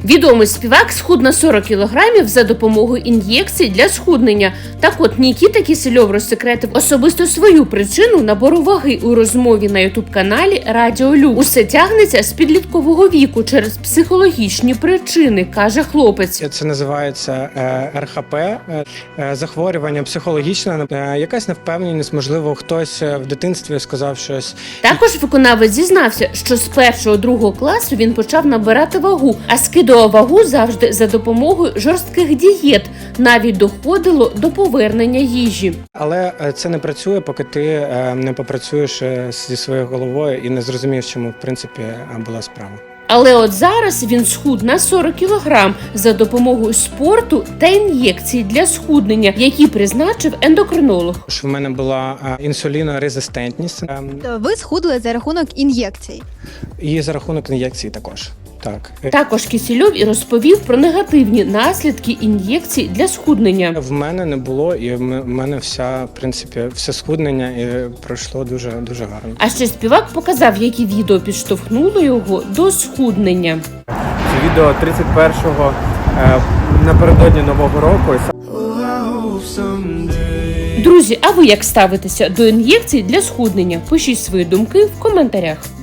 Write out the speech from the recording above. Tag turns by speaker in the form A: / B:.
A: Відомий співак схуд на 40 кілограмів за допомогою ін'єкцій для схуднення. Так от, Нікіта Кісельов розсекретив особисто свою причину набору ваги у розмові на ютуб-каналі Радіо Люкс. Усе тягнеться з підліткового віку через психологічні причини, каже хлопець.
B: Це називається РХП, захворювання психологічне, якась невпевненість, можливо, хтось в дитинстві сказав щось.
A: Також виконавець зізнався, що з 1-2 класу він почав набирати вагу, а скидував вагу завжди за допомогою жорстких дієт. Навіть доходило до повернення їжі.
B: Але це не працює, поки ти не попрацюєш зі своєю головою і не зрозумієш, чому, в принципі, була справа.
A: Але от зараз він схуд на 40 кілограм за допомогою спорту та ін'єкцій для схуднення, які призначив ендокринолог.
B: В мене була інсулінорезистентність.
C: Ви схудли за рахунок ін'єкцій?
B: І за рахунок ін'єкцій також. Так.
A: Також Кісельов і розповів про негативні наслідки ін'єкцій для схуднення.
B: В мене не було, і в мене все схуднення пройшло дуже гарно.
A: А ще співак показав, які відео підштовхнули його до схуднення.
D: Це відео 31-го напередодні Нового року.
A: Друзі, а ви як ставитеся до ін'єкцій для схуднення? Пишіть свої думки в коментарях.